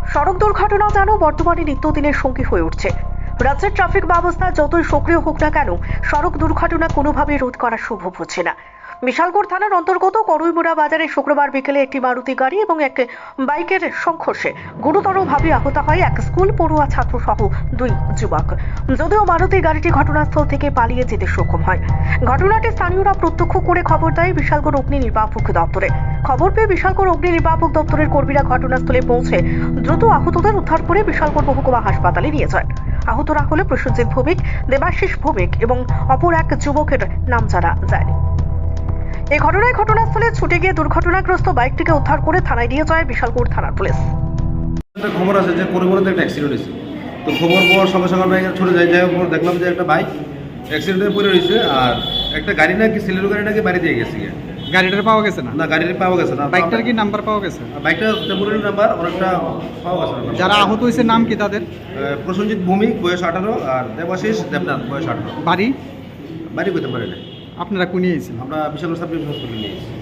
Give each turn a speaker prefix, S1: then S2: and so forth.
S1: সড়ক দুর্ঘটনা যেন বর্তমানে নিত্যদিনের সঙ্গী হয়ে উঠছে। রাজ্যের ট্রাফিক ব্যবস্থা যতই সক্রিয় হোক না কেন, সড়ক দুর্ঘটনা কোনোভাবে রোধ করা সম্ভব হচ্ছে না। বিশালগড় থানার অন্তর্গত করুইমুড়া বাজারে শুক্রবার বিকেলে একটি মারুতি গাড়ি এবং এক বাইকের সংঘর্ষে গুরুতরভাবে আহত হয় এক স্কুল পড়ুয়া ছাত্র সহ দুই যুবক। যদিও মারুতি গাড়িটি ঘটনাস্থল থেকে পালিয়ে যেতে সক্ষম হয়। ঘটনাটি স্থানীয়রা প্রত্যক্ষ করে খবর দেয় বিশালগড় অগ্নি নির্বাপক দপ্তরে। খবর পেয়ে বিশালগড় অগ্নি নির্বাপক দপ্তরের কর্মীরা ঘটনাস্থলে পৌঁছে দ্রুত আহতদের উদ্ধার করে বিশালগড় মহকুমা হাসপাতালে নিয়ে যায়। আহতরা হলো প্রসেনজিৎ ভৌমিক, দেবাশিস ভৌমিক এবং অপর এক যুবকের নাম জানা যায়নি। এই ঘটনায় ঘটনাস্থলে ছুটে গিয়ে দুর্ঘটনাগ্রস্ত বাইকটিকে উদ্ধার করে থানায় নিয়ে যায় বিশালগড় থানার পুলিশ।
S2: একটা খবর আছে যে করুইমুড়াতে একটা অ্যাক্সিডেন্ট হয়েছে। তো খবর পাওয়ার সঙ্গে সঙ্গে আমরা এখানে ছুটে যাই পর দেখলাম যে একটা বাইক অ্যাক্সিডেন্টে পড়ে রয়েছে, আর একটা গাড়ি নাকি সিলেরো গাড়ি নাকি বাড়ি দিয়ে গেছে।
S3: গাড়িটার পাওয়া গেছে না?
S2: না, গাড়িটা পাওয়া গেছে না।
S3: বাইকটার কি নাম্বার পাওয়া গেছে?
S2: বাইকটা টেম্পোরারি নাম্বার, অনেকটা পাওয়া গেছে না।
S3: যারা আহত হয়েছে নাম কি তাদের?
S2: প্রসেনজিৎ ভৌমিক বয়স 18 আর দেবাশিস দেবনাথ বয়স 18।
S3: বাড়ি
S2: বাড়ি করতে পারে না।
S3: আপনারা কোন নিয়েছেন?
S2: আমরা বিশাল সাব ডিভিশন হসপিটালে নিয়েছি।